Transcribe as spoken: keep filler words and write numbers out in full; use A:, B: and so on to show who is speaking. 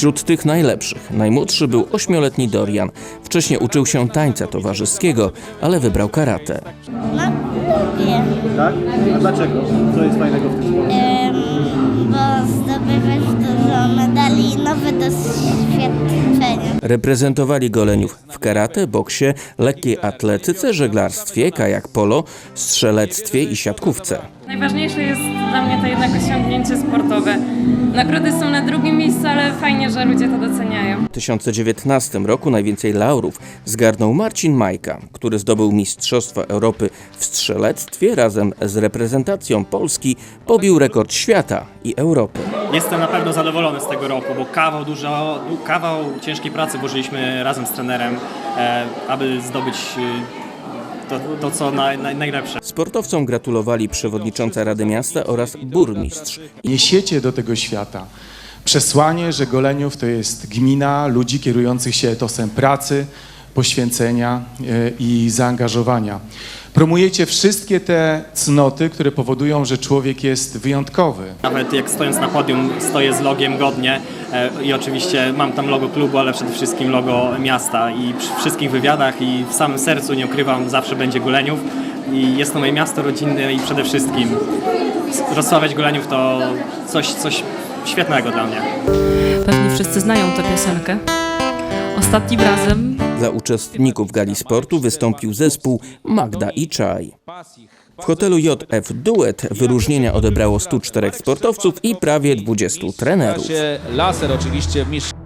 A: Wśród tych najlepszych najmłodszy był ośmioletni Dorian. Wcześniej uczył się tańca towarzyskiego, ale wybrał karate.
B: No, lubię,
C: Tak? A dlaczego? Co jest fajnego w tym sporcie?
B: em, bo zdobywasz dużo medali i nowe doświadczenia.
A: Reprezentowali Goleniów w karate, boksie, lekkiej atletyce, żeglarstwie, kajak polo, strzelectwie i siatkówce.
D: Najważniejsze jest dla mnie to jednak osiągnięcie sportowe. Nagrody są na drugim miejscu, ale fajnie, że ludzie to doceniają.
A: W dwa tysiące dziewiętnastym roku najwięcej laurów zgarnął Marcin Majka, który zdobył Mistrzostwa Europy w strzelectwie. Razem z reprezentacją Polski pobił rekord świata i Europy.
E: Jestem na pewno zadowolony z tego roku, bo kawał dużo, kawał ciężkiej pracy włożyliśmy razem z trenerem, e, aby zdobyć e, to, to co naj, naj, najlepsze.
A: Sportowcom gratulowali przewodnicząca Rady Miasta oraz burmistrz.
F: Niesiecie do tego świata przesłanie, że Goleniów to jest gmina ludzi kierujących się etosem pracy, poświęcenia i zaangażowania. Promujecie wszystkie te cnoty, które powodują, że człowiek jest wyjątkowy.
E: Nawet jak stojąc na podium stoję z logiem godnie e, i oczywiście mam tam logo klubu, ale przede wszystkim logo miasta i przy wszystkich wywiadach i w samym sercu, nie ukrywam, zawsze będzie Goleniów i jest to moje miasto rodzinne i przede wszystkim rozsławiać Goleniów to coś, coś świetnego dla mnie.
G: Pewnie wszyscy znają tę piosenkę. Ostatnim razem
A: Dla uczestników gali sportu wystąpił zespół Magda i Czaj. W hotelu J F Duet wyróżnienia odebrało stu czterech sportowców i prawie dwudziestu trenerów.
H: Laser oczywiście w mistrz...